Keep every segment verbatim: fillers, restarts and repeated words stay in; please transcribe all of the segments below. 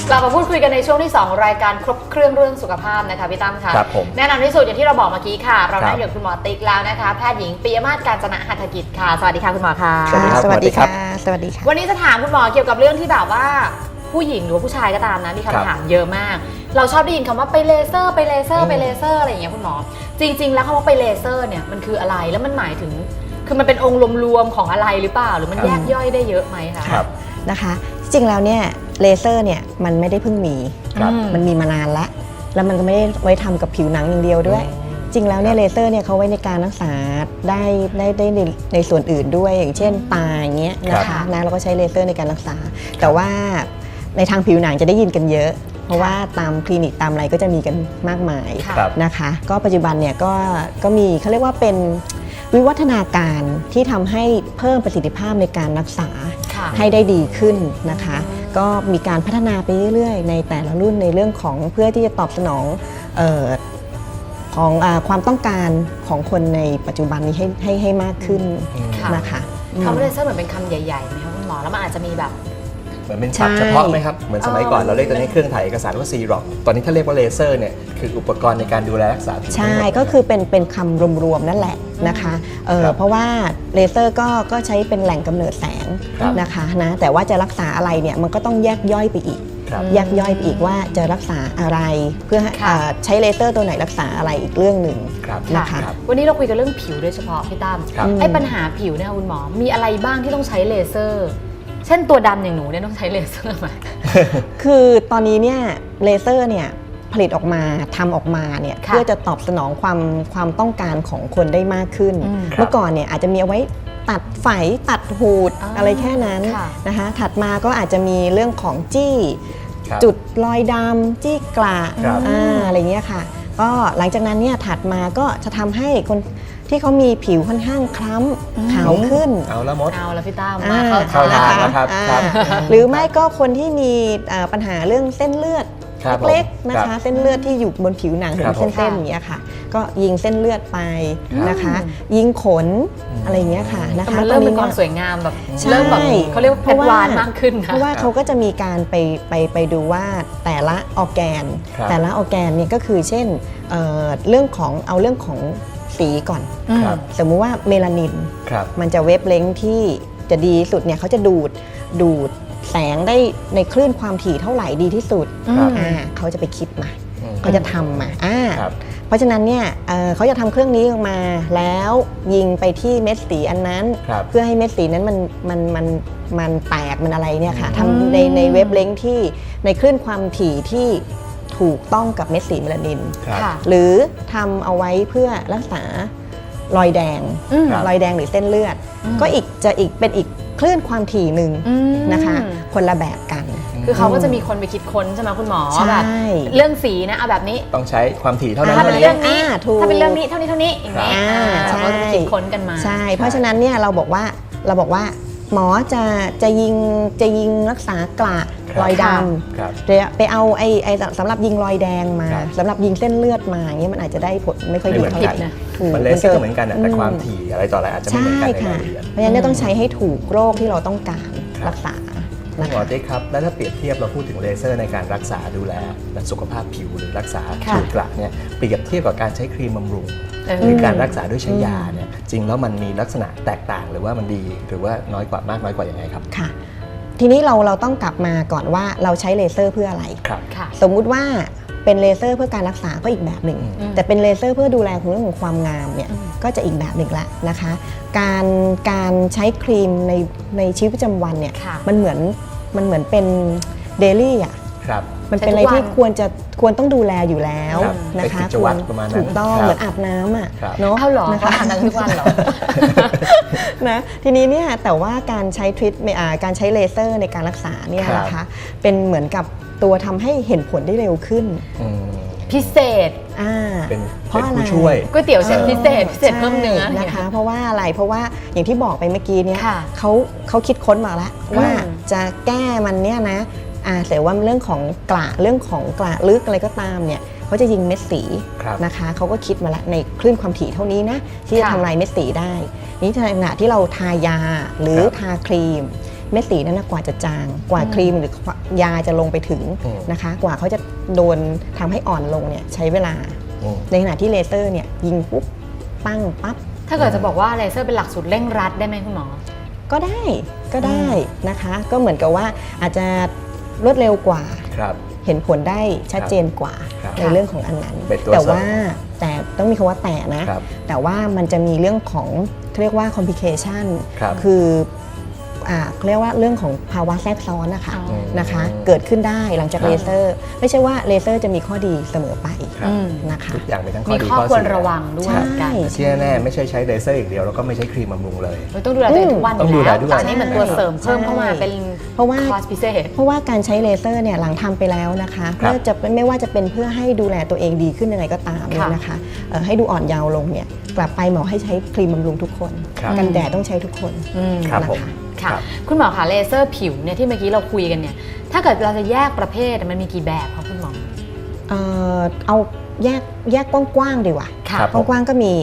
กลับมาพูดคุยกันในช่วงที่สองรายการครบเครื่องเรื่องสุขภาพนะคะพี่ตั้มค่ะครับผมแน่นอนที่สุดอย่างที่เราบอกเมื่อกี้ค่ะเราได้อยู่คุณหมอติ๊กแล้วนะคะแพทย์หญิงปิยมาศ กาญจนะหัตถกิจค่ะสวัสดีค่ะคุณหมอค่ะสวัสดีครับสวัสดีค่ะสวัสดีค่ะวันนี้จะถามคุณหมอเกี่ยวกับเรื่องที่แบบว่าผู้หญิงหรือว่าผู้ชายก็ตามนะมีคำถามเยอะมากเราชอบได้ยินคำว่าไปเลเซอร์ไปเลเซอร์ไปเลเซอร์อะไรอย่างเงี้ยคุณหมอจริงๆแล้วคำว่าไปเลเซอร์เนี่ยมันคืออะไรแล้วมันหมายถึงคือมันเป็นองค์รวมๆของอะไรหรือเปล่าหรือมันแยกย่อยได้เยอะไหมคะครับนะคะจริงแล้วเนี่ยเลเซอร์เนี่ยมันไม่ได้เพิ่งมีมันมีมานานแล้วแล้วมันก็ไม่ได้ไว้ทำกับผิวหนังอย่างเดียวด้วยจริงแล้วเนี่ยเลเซอร์เนี่ยเขาไว้ในการรักษาได้ได้ได้ในในส่วนอื่นด้วยอย่างเช่นตาอย่างเงี้ยนะคะนะเราก็ใช้เลเซอร์ในการรักษาแต่ว่าในทางผิวหนังจะได้ยินกันเยอะเพราะว่าตามคลินิกตามอะไรก็จะมีกันมากมายนะคะก็ปัจจุบันเนี่ยก็ก็มีเขาเรียกว่าเป็นวิวัฒนาการที่ทำให้เพิ่มประสิทธิภาพในการรักษาให้ได้ดีขึ้นนะคะก็มีการพัฒนาไปเรื่อยๆในแต่ละรุ่นในเรื่องของเพื่อที่จะตอบสนองเอ่อของอ่าความต้องการของคนในปัจจุบันนี้ให้ให้ให้มากขึ้นนะคะคำว่าเลเซอร์เหมือนเป็นคำใหญ่ๆไหมคะคุณหมอแล้วมันอาจจะมีแบบเหมือนเป็นศัพท์เฉพาะไหมครับเหมือนสมัยก่อนเราเรียกตัวนี้เครื่องถ่ายเอกสารว่าซีร็อกตอนนี้ถ้าเรียกว่าเลเซอร์เนี่ยคืออุปกรณ์ในการดูแลรักษาผิวใช่ก็คือเป็นเป็นคำรวมๆนั่นแหละนะคะเเพราะว่าเลเซอร์ก็ก็ใช้เป็นแหล่งกำเนิดแสงนะคะนะแต่ว่าจะรักษาอะไรเนี่ยมันก็ต้องแยกย่อยไปอีกแยกย่อยไปอีกว่าจะรักษาอะไรเพื่อใช้เลเซอร์ตัวไหนรักษาอะไรอีกเรื่องหนึ่งนะคะวันนี้เราคุยกันเรื่องผิวโดยเฉพาะพี่ตั้มไอ้ปัญหาผิวเนี่ยคุณหมอมีอะไรบ้างที่ต้องใช้เลเซอร์เช่นตัวดำอย่างหนูเนี่ยต้องใช้เลเซอร์ไหมคือตอนนี้เนี่ยเลเซอร์เนี่ยผลิตออกมาทำออกมาเนี่ยเพื่อจะตอบสนองความความต้องการของคนได้มากขึ้นเมื่อก่อนเนี่ยอาจจะมีเอาไว้ตัดไฝตัดหูดอะไรแค่นั้นนะคะถัดมาก็อาจจะมีเรื่องของจี้จุดรอยดำจี้กระอะไรเงี้ยค่ะก็หลังจากนั้นเนี่ยถัดมาก็จะทำให้คนที่เขามีผิวค่อนข้างคล้ำขาวขึ้นเอาละมดเอาละพี่ตั้มมาเข้าทางนะครับหรือไม่ก็คนที่มีปัญหาเรื่องเส้นเลือดเล็กๆนะคะเส้นเลือดที่อยู่บนผิวหนังเป็นเส้นๆอย่างเงี้ยค่ะก็ยิงเส้นเลือดไปนะคะยิงขนอะไรอย่างเงี้ยค่ะนะคะเริ่มเป็นความสวยงามแบบเริ่มแบบเขาเรียกว่าเพชรวานมากขึ้นเพราะว่าเขาก็จะมีการไปไปไปดูว่าแต่ละออร์แกนแต่ละออร์แกนเนี่ยก็คือเช่นเรื่องของเอาเรื่องของสีก่อนสมมุติว่าเมลานินมันจะเวฟเลนส์ที่จะดีสุดเนี่ยเขาจะดูดดูดแสงได้ในคลื่นความถี่เท่าไหร่ดีที่สุดอ่าเขาจะไปคิดมาเขาจะทำมาอ่าเพราะฉะนั้นเนี่ย เ, เขาจะทำเครื่องนี้ออกมาแล้วยิงไปที่เม็ดสีอันนั้นเพื่อให้เม็ดสีนั้นมันมันมันมันแตกมันอะไรเนี่ยค่ะทำในในเวฟเลนส์ที่ในคลื่นความถี่ที่ถูกต้องกับเม็ดสีเมลานินหรือทำเอาไว้เพื่อรักษารอยแดงรอยแดงหรือเส้นเลือดก็อีกจะอีกเป็นอีกคลื่นความถี่หนึ่งนะคะคนละแบบกันคือเขาก็จะมีคนไปคิดค้นใช่ไหมคุณหมอว่าแบบเรื่องสีนะเอาแบบนี้ต้องใช้ความถี่เท่านั้นถ้าเป็นเรื่องนี้ถ้าเป็นเรื่องนี้เท่านี้เท่านี้อย่างนี้เขาจะคิดค้นกันมาใช่เพราะฉะนั้นเนี่ยเราบอกว่าเราบอกว่าหมอจะจะยิงจะยิงรักษากระรอยดำไปเอาไอ้ไอ้สำหรับยิงรอยแดงมาสำหรับยิงเส้นเลือดมาอย่างเงี้ยมันอาจจะได้ผลไม่ค่อยดีเท่าไหร่มันเลเซอร์เหมือนกันแต่ความถี่อะไรต่ออะไรอาจจะไม่เหมือนกันในรายละเอียดเพราะฉะนั้นต้องใช้ให้ถูกโรคที่เราต้องการรักษาหมอติ๊กครับแล้วถ้าเปรียบเทียบเราพูดถึงเลเซอร์ในการรักษาดูแลสุขภาพผิวหรือรักษาผิวกระเนี่ยเปรียบเทียบกับการใช้ครีมบำรุงหรือการรักษาด้วยใช้ยาเนี่ยจริงแล้วมันมีลักษณะแตกต่างหรือว่ามันดีหรือว่าน้อยกว่ามากน้อยกว่ายังไงครับค่ะทีนี้เราเราต้องกลับมาก่อนว่าเราใช้เลเซอร์เพื่ออะไรสมมุติว่าเป็นเลเซอร์เพื่อการรักษาก็อีกแบบหนึ่งแต่เป็นเลเซอร์เพื่อดูแลเรื่องของความงามเนี่ยก็จะอีกแบบหนึ่งละนะคะการการใช้ครีมในในชีวิตประจำวันเนี่ยมันเหมือนมันเหมือนเป็นเดลี่อ่ะมันเป็นอะไรที่ควรจะควรต้องดูแลอยู่แล้วนะคะควรถูกต้องเหมือนอาบน้ำอ่ะเนาะเอาหรอนะคะอาบน้ำทุกวันหรอนะทีนี้เนี่ยแต่ว่าการใช้ทรีทการใช้เลเซอร์ในการรักษาเนี่ยนะคะเป็นเหมือนกับตัวทำให้เห็นผลได้เร็วขึ้นพิเศษอ่าเพราะอะไรช่วยก๋วยเตี๋ยวเส้นพิเศษพิเศษเพิ่มเนื้อนะคะเพราะว่าอะไรเพราะว่าอย่างที่บอกไปเมื่อกี้เนี่ยเขาเขาคิดค้นมาแล้วว่าจะแก้มันเนี่ยนะอ่าแต่ว่าเรื่องของกระเรื่องของกระลึกอะไรก็ตามเนี่ยเขาจะยิงเม็ดสีนะคะเขาก็คิดมาแล้วในคลื่นความถี่เท่านี้นะที่จะทำลายเม็ดสีได้นี่ในขณะที่เราทายาหรือทาครีมเม็ดสีนั้นนะกว่าจะจางกว่าครีมหรือยาจะลงไปถึงอืมนะคะกว่าเขาจะโดนทำให้อ่อนลงเนี่ยใช้เวลาอืมในขณะที่เลเซอร์เนี่ยยิงปุ๊บปั้งปั๊บถ้าเกิดจะบอกว่าเลเซอร์เป็นหลักสูตรเร่งรัดได้ไหมคุณหมอก็ได้ก็ได้นะคะ ก็เหมือนกับว่าอาจจะรวดเร็วกว่าครับเห็นผลได้ชัดเจนกว่าครับในเรื่องของอันนั้นเป็นตัวแต่เสริมว่าแต่ต้องมีคำว่าแต่นะครับแต่ว่ามันจะมีเรื่องของเขาเรียกว่า complication ครับคืออ่าเขาเรียกว่าเรื่องของภาวะแทรกซ้อนนะคะอ๋อนะคะ เกิดขึ้นได้หลังจากครับเลเซอร์ ไม่ใช่ว่าเลเซอร์จะมีข้อดีเสมอไปครับอืมนะคะทุกอย่างมีทั้งข้มีอดีข้อข้อควรเสียระวังด้วยใช่เหมือนกันแต่ที่แน่ๆไม่ใช่ใช้เลเซอร์อย่างเดียวแล้วก็ไม่ใช้ครีมบำรุงเลยเราต้องดูแลตัวเองทุกวันต้องอดูยู่แลแล้วด้วยแต่อันนี้เหมือนตัวเสริมเพิ่มเข้ามาใช่เป็นเพราะว่าคอร์สพิเศษเพราะว่าการใช้เลเซอร์เนี่ยหลังทำไปแล้วนะคะครับเพื่อจะไม่ว่าจะเป็นเพื่อให้ดูแลตัวเองดีขึ้นยังไงก็ตามเนี่ยค่ะนะคะเอ่อให้ดูอ่อนเยาว์ลงเนี่ยกลับไปหมอให้ใช้ครีมบำรุงทุกคนครับกันแดดต้องใช้ทุกคนอืมครับผมนะคะค่ะครับคุณหมอคะเลเซอร์ผิวเนี่ยที่เมื่อกี้เราคุยกันเนี่ยถ้าเกิดเราจะแยกประเภทมันมีกี่แบบคะคุณหมอเอ่อเอาแยกแยกกว้างๆดีกว่าค่ะครับกว้างๆก็มี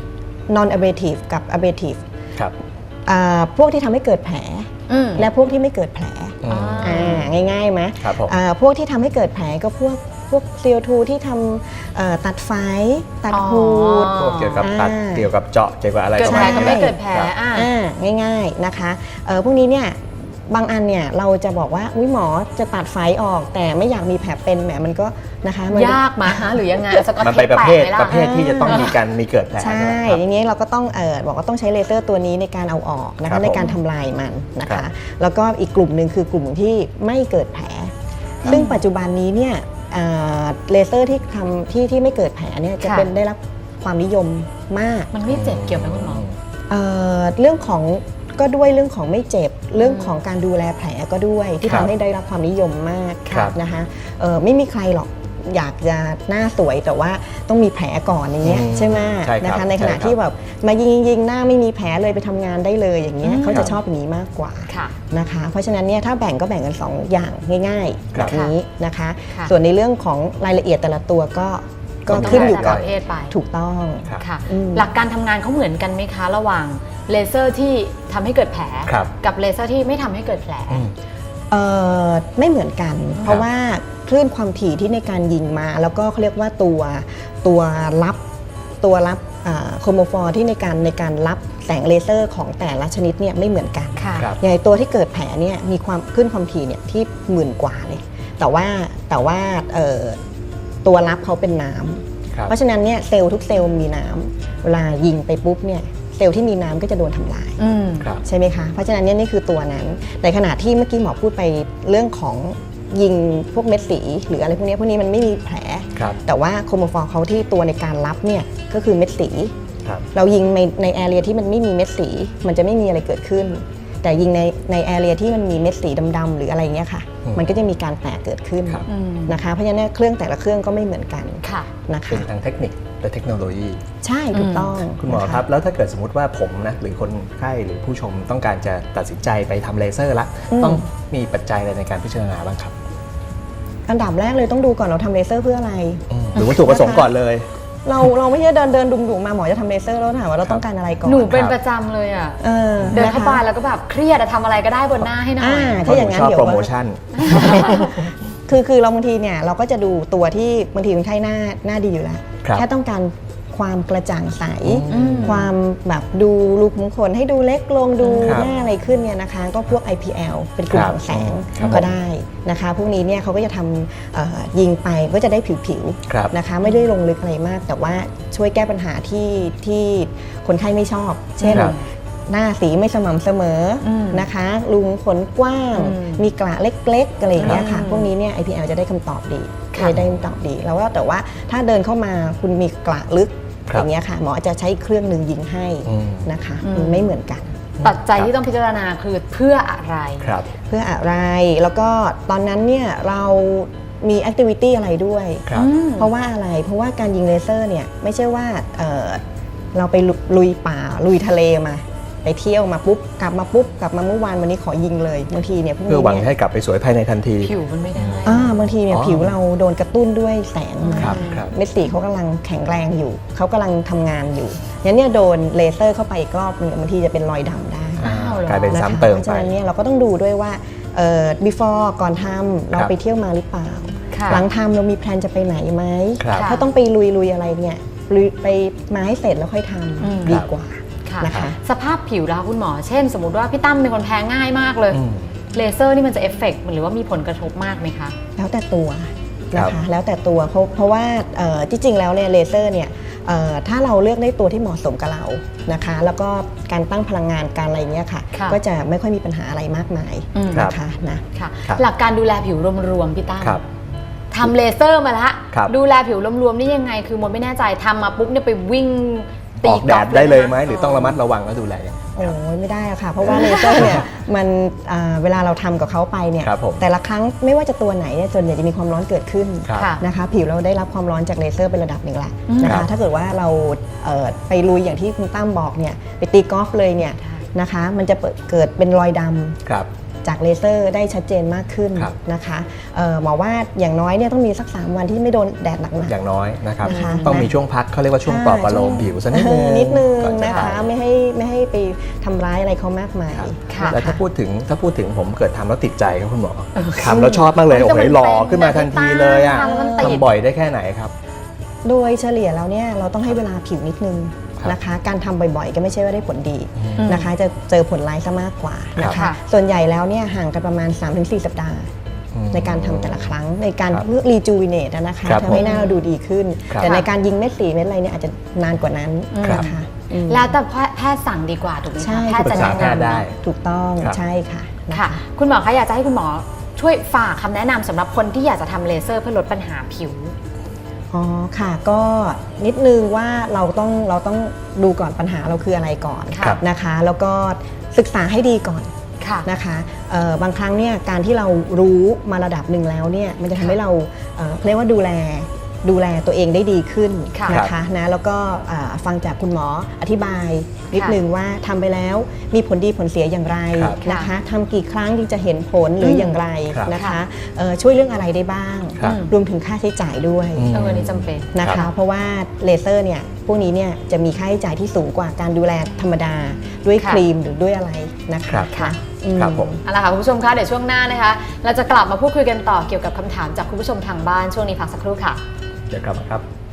non abrasive กับ abrasive ครับอ่าพวกที่ทำให้เกิดแผลอืมและพวกที่ไม่เกิดแผลอืมอ่าง่ายๆไหมครับผมอ่าพวกที่ทำให้เกิดแผลก็พวกพวก ซี โอ ทู ที่ทำเอ่อตัดไฟตัดอ๋อหูดพวกเกี่ยวกับตัดอ่าเกี่ยวกับเจาะเกี่ยวกับอะไรเกิดประแผลมาณก็นี้ไม่แหละเกิดแผลครับอ่าอ่าง่ายๆนะคะเอ่อพวกนี้เนี่ยบางอันเนี่ยเราจะบอกว่าอุ๊ยหมอจะตัดไฟออก แต่ไม่อยากมีแผลเป็นแหมมันก็นะคะมันยากมาฮะหรือยังไงสกอตมันเทไปปประแปะเภทไหมล่ะประเภทที่จะต้องมีการมีเกิดแผลใช่ใช่ไหมครับอย่างนี้เราก็ต้องเออบอกว่าต้องใช้เลเซอร์ตัวนี้ในการเอาออกนะครัคะบในการทำลายมันนะครัคะบแล้วก็อีกกลุ่มหนึ่งคือกลุ่มที่ไม่เกิดแผล ซึ่งปัจจุบันนี้เนี่ยเอ่อเลเซอร์ที่ทำที่ที่ไม่เกิดแผลเนี่ยจะค่ะเป็นได้รับความนิยมมากมันไม่เจ็บเกี่ยวไหมคุณหมอเอ่อเรื่องของก็ด้วยเรื่องของไม่เจ็บเรื่องของการดูแลแผลก็ด้วยที่ครับทำให้ได้รับความนิยมมากครับนะคะเอ่อไม่มีใครหรอกอยากจะหน้าสวยแต่ว่าต้องมีแผลก่อนอย่างเงี้ยอืมใช่ไหมใช่ครับนะคะในขณะใช่ครับที่แบบมายิงยิงยิงหน้าไม่มีแผลเลยไปทำงานได้เลยอย่างเงี้ยอืมเขาจะชอบอย่างนี้มากกว่าค่ะนะคะเพราะฉะนั้นเนี่ยถ้าแบ่งก็แบ่งกันสองอย่างง่ายๆครัแบบ บนี้นะคะค่ะส่วนในเรื่องของรายละเอียดแต่ละตัวก็ก็ต้องขึ้นอยู่แต่กับประเภทไปถูกต้องครับค่ะอืมหลักการทำงานเขาเหมือนกันไหมคะ ระหว่างเลเซอร์ที่ทำให้เกิดแผลครับกับเลเซอร์ที่ไม่ทำให้เกิดแผลอืมเอ่อไม่เหมือนกัน เพราะว่าคลื่นความถี่ที่ในการยิงมา แล้วก็เขาเรียกว่าตัวตัวรับตัวรับโครโมฟอร์ที่ในการในการรับแสงเลเซอร์ของแต่ละชนิดเนี่ยไม่เหมือนกันค่ะครับอย่างไอ้ตัวที่เกิดแผลเนี่ยมีความคลื่นความถี่เนี่ยที่หมื่นกว่าเลย แต่ว่าแต่ว่าเอ่อตัวรับเขาเป็นน้ำครับเพราะฉะนั้นเนี่ยเซลล์ทุกเซลล์มีน้ำเวลายิงไปปุ๊บเนี่ยเซลล์ที่มีน้ำก็จะโดนทำลายอืมครับใช่ไหมคะ เพราะฉะนั้นเนี่ยนี่คือตัวนั้น ในขณะที่เมื่อกี้หมอพูดไปเรื่องของยิงพวกเม็ดสี หรืออะไรพวกนี้พวกนี้มันไม่มีแผลครับแต่ว่าโครโมฟอร์เขาที่ตัวในการรับเนี่ยก็คือเม็ดสีครับเรายิงในในแอเรียที่มันไม่มีเม็ดสี มันจะไม่มีอะไรเกิดขึ้น แต่ยิงในในแอเรียที่มันมีเม็ดสีดำๆหรืออะไรเงี้ยค่ะอืมมันก็จะมีการแตกเกิดขึ้นครับอืมนะคะ เพราะฉะนั้นเนยเครื่องแต่ละเครื่องก็ไม่เหมือนกันค่ะนะเป็นคะทางเทคนิคและเทคโนโลยีใช่ถูกต้องคุณหมอนะะครับ แล้วถ้าเกิดสมมติว่าผมนะหรือคนไข้หรือผู้ชมต้องการจะตัดสินใจไปทำเลเซอร์ละอืมต้องมีปัจจัยอะไรในการพิจารณาบ้างครับอันดับแรกเลยต้องดูก่อนเราทำเลเซอร์เพื่ออะไรอืมหรือวัตถุประสงค์ก่อนเลยเราเราไม่ใช่เดินเดินดุมๆมาหมอจะทำเลเซอร์แล้วถามว่าเราต้องการอะไรก่อนหนูเป็นครับประจำเลยอ่ะเออเดินเข้าไปะคะแล้วก็แบบเครียดอะทำอะไรก็ได้บนหน้าให้หน่อยอ่าเพถ้าราะอหนูย่างนั้นชอบเดี๋ยวโปรโมชั่นคือคือเราบางทีเนี่ยเราก็จะดูตัวที่บางทีคนไข้หน้าหน้าดีอยู่แล้วครับแค่ต้องการความกระจ่างใสอืมความแบบดูรูขุมขนให้ดูเล็กลงดูครับหน้าอะไรขึ้นเนี่ยนะคะ ก็พวก ไอ พี แอล เป็นกลุ่มครับของแสงครับก็ได้นะคะ พวกนี้เนี่ยเขาก็จะทำเอ่อยิงไปก็จะได้ผิวครับๆนะคะ ไม่ได้ลงลึกอะไรมาก แต่ว่าช่วยแก้ปัญหาที่ที่คนไข้ไม่ชอบ เช่นครับหน้าสีไม่สม่ำเสมออมนะคะรูขุมขนกว้างอืมมีกระเล็กๆอะไรอย่างเงี้ยค่ะอืมพวกนี้เนี่ย ไอ พี แอล จะได้คำตอบดีค่ะจะได้คำตอบดี แล้วว่าแต่ว่าถ้าเดินเข้ามาคุณมีกระลึกครับอย่างเงี้ยค่ะ หมอจะใช้เครื่องหนึ่งยิงให้อืมนะคะอืมมันไม่เหมือนกันปัจจัยที่ต้องพิจารณาคือเพื่ออะไรครับเพื่ออะไร แล้วก็ตอนนั้นเนี่ยเรามีแอคทิวิตี้อะไรด้วยครับอืมเพราะว่าอะไร เพราะว่าการยิงเลเซอร์เนี่ยไม่ใช่ว่าเอ่อเราไปลุยป่าลุยทะเลมา ไปเที่ยวมาปุ๊บกลับมาปุ๊บกลับมาเมื่อวานวันนี้ขอยิงเลยบางทีเนี่ยพวกเพื่อนี้หวังเนี่ยให้กลับไปสวยภายในทันทีผิวมันไม่ได้อ่าบางทีเนี่ยอ๋อผิวเราโดนกระตุ้นด้วยแสงมาครับครับเม็ดสีเขากำลังแข็งแรงอยู่ เขากำลังทำงานอยู่งั้นเนี่ยโดนเลเซอร์เข้าไปอีกรอบหนึงบางทีจะเป็นรอยดำได้อ้าวกลายเป็นนะคะซ้ำเติมเพราะไปฉะนั้นเนี่ยเราก็ต้องดูด้วยว่าเอ่อ before ก่อนทำเราครับไปเที่ยวมาหรือเปล่าค่ะหลังทำเรามีแพลนจะไปไหนไหมครับถ้าต้องไปลุยลุยอะไรเนี่ยลุยไปมาให้เสร็จแล้วค่อยทอืมำดีกว่าค่ะนะคะสภาพผิวแล้วคุณหมอ เช่น สมมติว่าพี่ตั้มเป็นคนแพ้ง่ายมากเลยอืมเลเซอร์นี่มันจะเอฟเฟกต์หรือว่ามีผลกระทบมากไหมคะแล้วแต่ตัวครันะบคะแล้วแต่ตัวเพราะเพราะว่าเอ่อที่จริงแล้วเนี่ยเลเซอร์เนี่ยเอ่อถ้าเราเลือกได้ตัวที่เหมาะสมกับเรานะคะ แล้วก็การตั้งพลังงานการอะไรเงี้ยค่ะค่ะก็จะไม่ค่อยมีปัญหาอะไรมากมายอืมนะคะนะค่ะครับหลักการดูแลผิวรวมๆพี่ตั้มครับทำเลเซอร์มาละครับดูแลผิวรวมๆนี่ยังไง คือมดไม่แน่ใจทำมาปุ๊บเนี่ยไปวิ่งอตีอกแดกอล์ดฟได้เลยไหมนะหรือต้องระมัดระวังแล้วดูแลยังไงโอ้ยไม่ได้อะค่ะ เพราะว่าเลเซอร์เนี่ยมันอ่าเวลาเราทำกับเขาไปเนี่ยครับผมแต่ละครั้งไม่ว่าจะตัวไหนเนี่ยส่วนใหญ่จะมีความร้อนเกิดขึ้นครับค่ะนะคะผิวเราได้รับความร้อนจากเลเซอร์เป็นระดับหนึ่งแหละอืมนะครัคะบถ้าเกิดว่าเราเอ่อไปลุยอย่างที่คุณตั้มบอกเนี่ยไปตีกอล์ฟเลยเนี่ยนะคะมันจะเปิดเกิดเป็นรอยดำครับจากเลเซอร์ได้ชัดเจนมากขึ้นครับนะคะเอ่อหมอว่าอย่างน้อยเนี่ยต้องมีสักสามวันที่ไม่โดนแดดหนักอย่างน้อยนะครับนะคะต้องมีช่วงพักเขาเรียกว่าช่วงปลอบประโลมผิวสักนิดนึงนิดนึงก่อจนะคะไปไม่ให้ไม่ให้ไปทำร้ายอะไรเขามากมายครับค่ะแล้วถ้าพูดถึงถ้าพูดถึงผมเกิดทำแล้วติดใจครับคุณหมอเออทำแล้วชอบมากเลยมันโอ้จะโหเป็นหล่อขึ้นมาทันทีเลยอ่ะทำแล้วมันติดทำบ่อยได้แค่ไหนครับโดยเฉลี่ยแล้วเนี่ยเราต้องให้เวลาผิวนิดนึงครับนะคะ การทำบ่อยๆ ก็ไม่ใช่ว่าได้ผลดีอืมนะคะ จะเจอผลร้ายซะมากกว่านะครัคะบส่วนใหญ่แล้วเนี่ยห่างกันประมาณ สามถึงสี่ สัปดาห์อืมในการทำแต่ละครั้งในการครับเพื่อรีจูวิเนตนะคะครับทำให้ผมหน้าเราดูดีขึ้นครับแต่ในการยิงเม็ดสีเม็ดอะไรเนี่ยอาจจะนานกว่านั้นครับนะคะอืมแล้วแต่แพทย์สั่งดีกว่าถูกไหมใช่คะแพทย์จะปรึกษาแนะแพทย์นำได้เนาะถูกต้องครับใช่ค่ะนะค่ะ คุณหมอคะอยากจะให้คุณหมอช่วยฝากคำแนะนำสำหรับคนที่อยากจะทำเลเซอร์เพื่อลดปัญหาผิวอ๋อค่ะก็นิดนึงว่าเราต้องเราต้องดูก่อนปัญหาเราคืออะไรก่อนครับนะคะ แล้วก็ศึกษาให้ดีก่อนค่ะนะคะเอ่อบางครั้งเนี่ยการที่เรารู้มาระดับหนึ่งแล้วเนี่ยมันจะทำให้เราเอ่อเรียกว่าดูแลดูแลตัวเองได้ดีขึ้นค่ะนะคะนะแล้วก็อ่าฟังจากคุณหมออธิบายนิดค่ะนึงว่าทำไปแล้วมีผลดีผลเสียอย่างไรครับนะคะทำกี่ครั้งจึงจะเห็นผลหรืออย่างไรครับนะคะเอ่อช่วยเรื่องอะไรได้บ้างครับรวมถึงค่าใช้จ่ายด้วยอืมเออนี่จำเป็นนะครัคะบเพราะว่าเลเซอร์เนี่ยพวกนี้เนี่ยจะมีค่าใช้จ่ายที่สูงกว่าการดูแลธรรมดาด้วยค่ะครีมหรือด้วยอะไรนะครัคะบค่ะอืมครับผมเอาละค่ะคุณผู้ชมคะเดี๋ยวช่วงหน้านะคะ เราจะกลับมาพูดคุยกันต่อเกี่ยวกับคำถามจากคุณผู้ชมทางบ้านช่วงนี้พักสักครู่ค่ะเดี๋ยวกลับมาครับ